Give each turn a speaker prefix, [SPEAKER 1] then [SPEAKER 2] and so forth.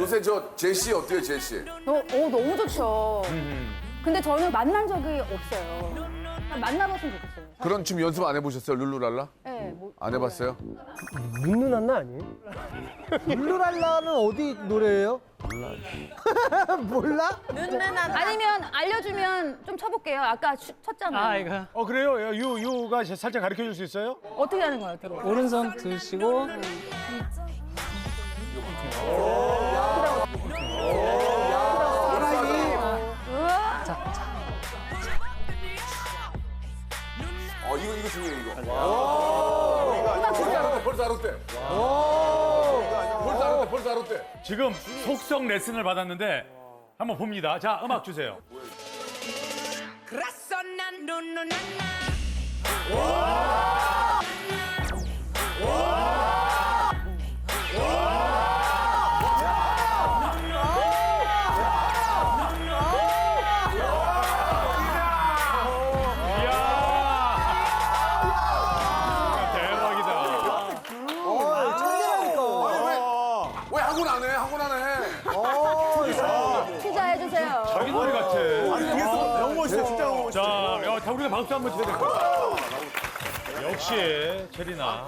[SPEAKER 1] 요새 저 제시 어때요, 제시?
[SPEAKER 2] 너무 좋죠. 근데 저는 만난 적이 없어요. 만나봤으면 좋겠어요.
[SPEAKER 1] 그런 춤 연습 안 해보셨어요, 룰루랄라?
[SPEAKER 2] 네, 뭐,
[SPEAKER 1] 안 해봤어요?
[SPEAKER 3] 눈누난나 아니에요? 룰루랄라는 어디 노래예요? 몰라.
[SPEAKER 2] 아니면 알려주면 좀 쳐볼게요. 아까 쳤잖아요.
[SPEAKER 4] 그래요? 유가 살짝 가르쳐 줄 수 있어요?
[SPEAKER 2] 어떻게 하는 거예요? 어떻게?
[SPEAKER 5] 오른손 드시고
[SPEAKER 1] 이거 중요해, 이거. 벌써 알았대. 벌써 알았대.
[SPEAKER 4] 지금 속성 레슨을 받았는데 한번 봅니다. 자, 음악 주세요. 대박이다.
[SPEAKER 3] 천재라니까.
[SPEAKER 1] 왜 학원 안 해? 학원 안 해?
[SPEAKER 2] 피자 해주세요.
[SPEAKER 4] 자기 노래 같아.
[SPEAKER 6] 너무 멋있어, 진짜 너무 멋있어.
[SPEAKER 4] 자, 우리가 박수 한번 쳐야 될 것 같아. 역시 체리나.